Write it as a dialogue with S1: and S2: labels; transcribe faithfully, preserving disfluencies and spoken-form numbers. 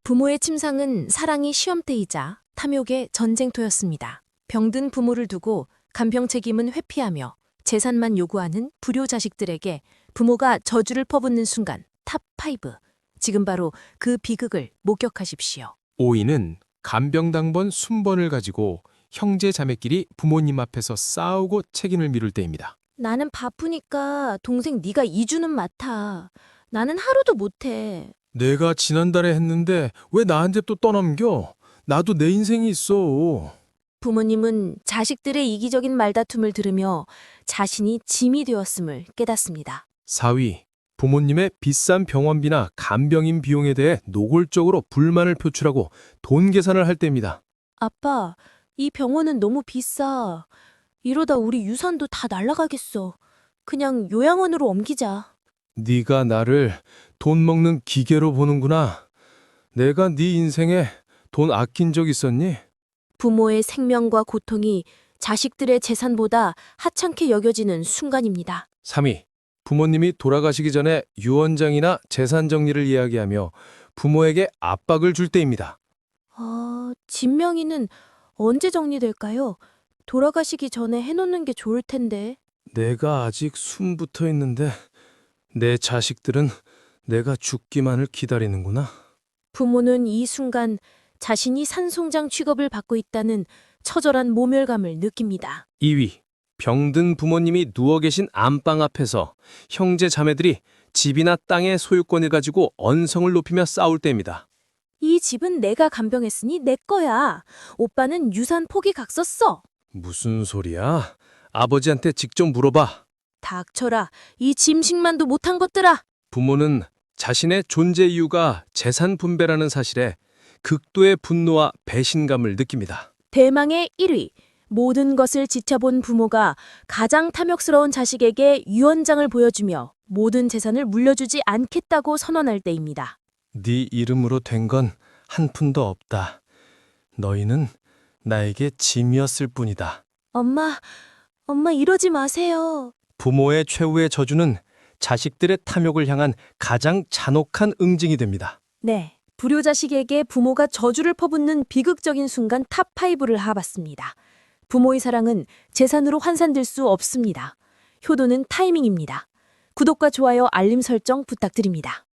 S1: 부모의 침상은 사랑의 시험대이자 탐욕의 전쟁터였습니다. 병든 부모를 두고 간병 책임은 회피하며 재산만 요구하는 불효 자식들에게 부모가 저주를 퍼붓는 순간 탑 파이브. 지금 바로 그 비극을 목격하십시오.
S2: 오이는 간병당번 순번을 가지고 형제 자매끼리 부모님 앞에서 싸우고 책임을 미룰 때입니다.
S1: 나는 바쁘니까 동생 네가 이주는 맡아. 나는 하루도 못해.
S2: 내가 지난달에 했는데 왜 나한테 또 떠넘겨? 나도 내 인생이 있어.
S1: 부모님은 자식들의 이기적인 말다툼을 들으며 자신이 짐이 되었음을 깨닫습니다.
S2: 사 위. 부모님의 비싼 병원비나 간병인 비용에 대해 노골적으로 불만을 표출하고 돈 계산을 할 때입니다.
S1: 아빠, 이 병원은 너무 비싸. 이러다 우리 유산도 다 날아가겠어. 그냥 요양원으로 옮기자.
S2: 네가 나를 돈 먹는 기계로 보는구나. 내가 네 인생에 돈 아낀 적 있었니?
S1: 부모의 생명과 고통이 자식들의 재산보다 하찮게 여겨지는 순간입니다.
S2: 삼 위. 부모님이 돌아가시기 전에 유언장이나 재산 정리를 이야기하며 부모에게 압박을 줄 때입니다.
S1: 아, 진명이는 언제 정리될까요? 돌아가시기 전에 해놓는 게 좋을 텐데.
S2: 내가 아직 숨 붙어 있는데 내 자식들은 내가 죽기만을 기다리는구나.
S1: 부모는 이 순간 자신이 산송장 취급을 받고 있다는 처절한 모멸감을 느낍니다.
S2: 이 위. 병든 부모님이 누워 계신 안방 앞에서 형제 자매들이 집이나 땅의 소유권을 가지고 언성을 높이며 싸울 때입니다.
S1: 이 집은 내가 간병했으니 내 거야. 오빠는 유산 포기 각 썼어.
S2: 무슨 소리야? 아버지한테 직접 물어봐.
S1: 닥쳐라. 이 짐식만도 못한 것들아.
S2: 부모는 자신의 존재 이유가 재산 분배라는 사실에 극도의 분노와 배신감을 느낍니다.
S1: 대망의 일 위. 모든 것을 지켜본 부모가 가장 탐욕스러운 자식에게 유언장을 보여주며 모든 재산을 물려주지 않겠다고 선언할 때입니다.
S2: 네 이름으로 된 건 한 푼도 없다. 너희는 나에게 짐이었을 뿐이다.
S1: 엄마, 엄마 이러지 마세요.
S2: 부모의 최후의 저주는 자식들의 탐욕을 향한 가장 잔혹한 응징이 됩니다.
S1: 네, 불효자식에게 부모가 저주를 퍼붓는 비극적인 순간 탑 파이브를 알아봤습니다. 부모의 사랑은 재산으로 환산될 수 없습니다. 효도는 타이밍입니다. 구독과 좋아요, 알림 설정 부탁드립니다.